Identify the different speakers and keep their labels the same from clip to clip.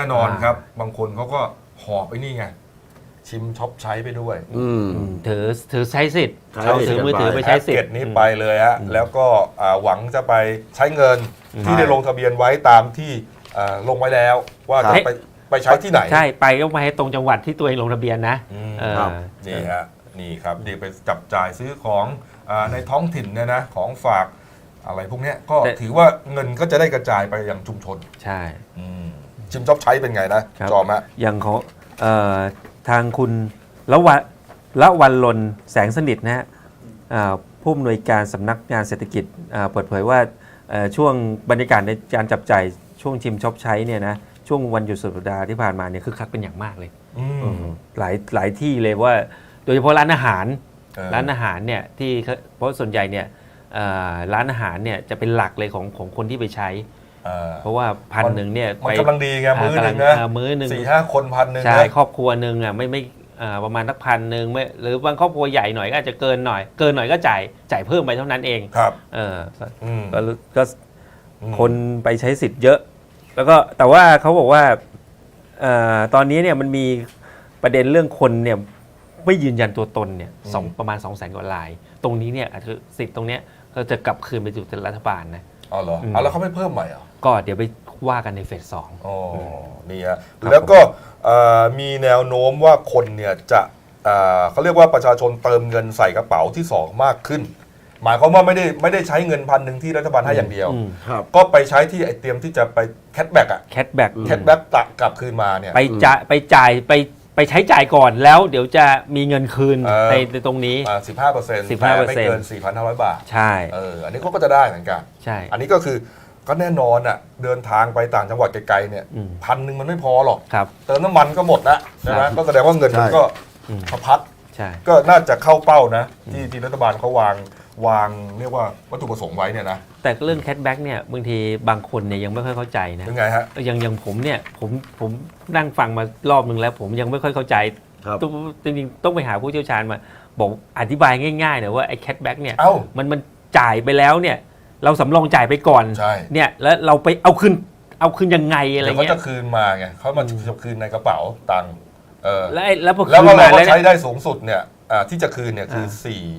Speaker 1: นอนครับบางคนเขาก็หอบไอ้นี่ไงชิมช็อปใช้ไปด้วย
Speaker 2: ถือใช้สิทธิ์ ถือมือถือไปใช้สิท
Speaker 1: แพ็กเกจ
Speaker 2: ธิ์
Speaker 1: นี้ไปเลยฮะแล้วก็หวังจะไปใช้เงินที่ได้ลงทะเบียนไว้ตามที่ลงไว้แล้วว่าจะไปใช้ที่ไหน
Speaker 2: ใช่ไปก็ไปให้ตรงจังหวัดที่ตัวเองลงทะเบียนนะ
Speaker 1: นี่ฮะนี่ครับเดี๋ยวไปจับจ่ายซื้อของในท้องถิ่นเนี่ยนะของฝากอะไรพวกนี้ก็ถือว่าเงินก็จะได้กระจายไปยังชุมชน
Speaker 2: ใช่
Speaker 1: ชิมช็อปใช้เป็นไงนะจอมฮะ
Speaker 2: อย่างของทางคุณละวันลนแสงสนิทนะฮะผู้อำนวยการสำนักงานเศรษฐกิจเปิดเผยว่าช่วงบรรยากาศในการจับจ่ายช่วงชิมช็อปใช้เนี่ยนะช่วงวันหยุดสุดสัปดาห์ที่ผ่านมาเนี่ยคึกคักเป็นอย่างมากเลยหลายที่เลยว่าโดยเฉพาะร้านอาหารเนี่ยที่เพราะส่วนใหญ่เนี่ยร้านอาหารเนี่ยจะเป็นหลักเลยของคนที่ไปใช้เพราะว่า1,000เนี่ย
Speaker 1: มันกำลังดีไงมื้อนึงนะ
Speaker 2: มื้อนึง
Speaker 1: 4-5 คน1,000ใช่
Speaker 2: ครอบครัวนึงอ่ะไม่ประมาณสัก1,000ไม่หรือบางครอบครัวใหญ่หน่อยก็อาจจะเกินหน่อยก็จ่ายเพิ่มไปเท่านั้นเอง
Speaker 1: ครับ
Speaker 2: ก็คนไปใช้สิทธิ์เยอะแล้วก็แต่ว่าเขาบอกว่าตอนนี้เนี่ยมันมีประเด็นเรื่องคนเนี่ยไม่ยืนยันตัวตนเนี่ยประมาณ 200,000 กว่ารายตรงนี้เนี่ยคือสิทธิ์ตรงเนี้ยก็จะกลับคืนไปสู่รัฐบาลนะ
Speaker 1: อ๋อเหรอแล้วเขาไม่เพิ่มใหม่เหรอ
Speaker 2: ก็เดี๋ยวไปว่ากันในเฟส 2
Speaker 1: อ๋อนี่ฮะแล้วก็มีแนวโน้มว่าคนเนี่ยจะเขาเรียกว่าประชาชนเติมเงินใส่กระเป๋าที่2มากขึ้นหมายความว่าไม่ได้ใช้เงิน1,000ที่รัฐบาลให้อย่างเดียวก็ไปใช้ที่ไอเตรียมที่จะไปแคชแบ็ก
Speaker 2: แคชแบ็ก
Speaker 1: กลับคืนมาเนี่ย
Speaker 2: ไปจ่ายไปใช้จ่ายก่อนแล้วเดี๋ยวจะมีเงินคืนในตรงนี้
Speaker 1: 15%แต่ไม่เกิน 4,500 บาท
Speaker 2: ใช่
Speaker 1: อันนี้เขาก็จะได้เหมือนกัน
Speaker 2: ใช่
Speaker 1: อันนี้ก็คือก็แน่นอนอ่ะเดินทางไปต่างจังหวัดไกลๆเนี่ย1,000มันไม่พอหรอกเติมน้ำมันก็หมดละใช่ไหมก็แสดงว่าเงินมันก็สะพัดก็น่าจะเข้าเป้านะที่รัฐบาลเขาวางเรียกว่าวัตถุประสงค์ไว้เนี่ยนะ
Speaker 2: แต่เรื่องแคชแบ็กเนี่ยบางทีบางคนเนี่ยยังไม่ค่อยเข้าใจนะ
Speaker 1: ยังไงฮะ
Speaker 2: อย่างผมเนี่ยผมนั่งฟังมารอบนึงแล้วผมยังไม่ค่อยเข้าใจจริงๆต้องไปหาผู้เชี่ยวชาญมาบอกอธิบายง่ายๆหน่อยว่าไอ้แคชแบ็กเนี่ยมันจ่ายไปแล้วเนี่ยเราสำรองจ่ายไปก่อนเนี่ยแล้วเราไปเอาคืนยังไงอะไรเงี้ย
Speaker 1: เขาจะคืนมาไงเขามาคืนในกระเป๋าตังค์
Speaker 2: แล้วพอ
Speaker 1: คืนมาแล้วใช้ได้สูงสุดเนี่ยที่จะคืนเนี่ยคือ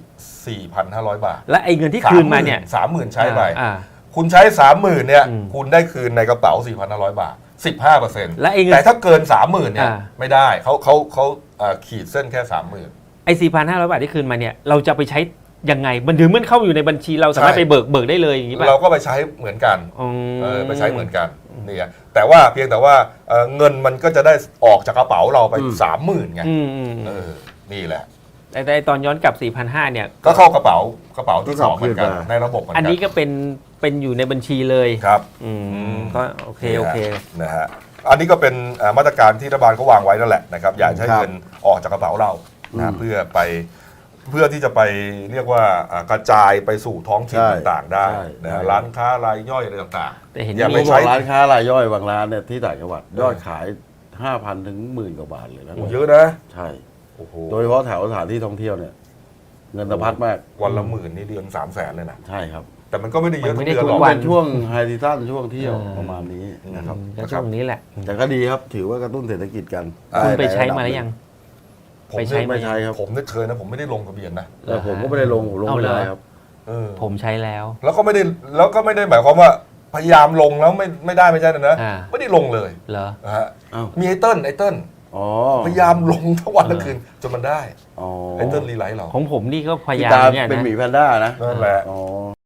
Speaker 1: 4,500 บาท
Speaker 2: และไอ้เงินที่คืนมาเนี่ย
Speaker 1: 30,000ใช้ไปคุณใช้ 30,000เนี่ยคุณได้คืนในกระเป๋า 4,500 บาท 15%แต่ถ้าเกิน 30,000เนี่ยไม่ได้เขาขีดเส้นแค่ 30,000
Speaker 2: ไอ้ 4,500 บาทที่คืนมาเนี่ยเราจะไปใช้ยังไงมันถึงมันเข้าอยู่ในบัญชีเราสามารถไปเบิกได้เลยอย่างนี้ป่ะ
Speaker 1: เราก็ไปใช้เหมือนกันไปใช้เหมือนกันนี่แต่ว่าเพียงแต่ว่าเงินมันก็จะได้ออกจากกระเป๋าเราไป 30,000ไงนี่แหละ
Speaker 2: แต่ตอนย้อนกลับ 4,500 เนี่ย
Speaker 1: ก็เข้ากระเป๋าที่2เหมือนกันในระบบเหมือนกัน
Speaker 2: อันนี้ก็เป็นอยู่ในบัญชีเลย
Speaker 1: ครับ
Speaker 2: ก็โอเค
Speaker 1: นะฮะอันนี้ก็เป็นมาตรการที่รัฐบาลเขาวางไว้นั่นแหละนะครับอยากให้เงินออกจากกระเป๋าเรานะเพื่อที่จะไปเรียกว่ากระจายไปสู่ท้องถิ่นต่างๆได้นะร้านค้ารายย่อยอะไรต่าง
Speaker 3: ๆแต่เห็นมีร้านค้ารายย่อยบางร้านเนี่ยที่ต่างจังหวัดยอดขาย 5,000 ถึง 10,000 กว่าบาทเลยนะ
Speaker 1: เยอะนะ
Speaker 3: ใช่โดยเฉพาะแถวสถานที่ท่องเที่ยวเนี่ยเงินสะพัดมาก
Speaker 1: วันละ10,000นี่เดือน300,000เลยนะ
Speaker 3: ใช่ครับ
Speaker 1: แต่มันก็ไม่ได้เยอะทุกเดือน
Speaker 3: หรอกเป็นช่วงไฮซีซั่นช่วงเที่ยวประมาณนี้นะครับ
Speaker 2: ช่วงนี้แหละ
Speaker 3: แต่ก็ดีครับถือว่ากระตุ้นเศรษฐกิจกัน
Speaker 2: คุณไปใช้มาหรือยัง
Speaker 1: ไปใช้ครับผมเคยนะผมไม่ได้ลงทะเบียนนะ
Speaker 3: แต่ผมก็ไม่ได้ลงไม่ได้ครับ
Speaker 2: ผมใช้แล้ว
Speaker 1: แล้วก็ไม่ได้หมายความว่าพยายามลงแล้วไม่ได้ไม่ใช่นะไม่ได้ลงเลย
Speaker 2: เหรอ
Speaker 1: มีไอเติ้ลพยายามลงทั้งวันทั้งคืนจนมันได้ไอเติ้ลรีไลท์เรา
Speaker 2: ของผมนี่ก็พยายาม
Speaker 3: เนี่ยนะเป็นหมีแพนด้านะ
Speaker 1: นั่นแหละ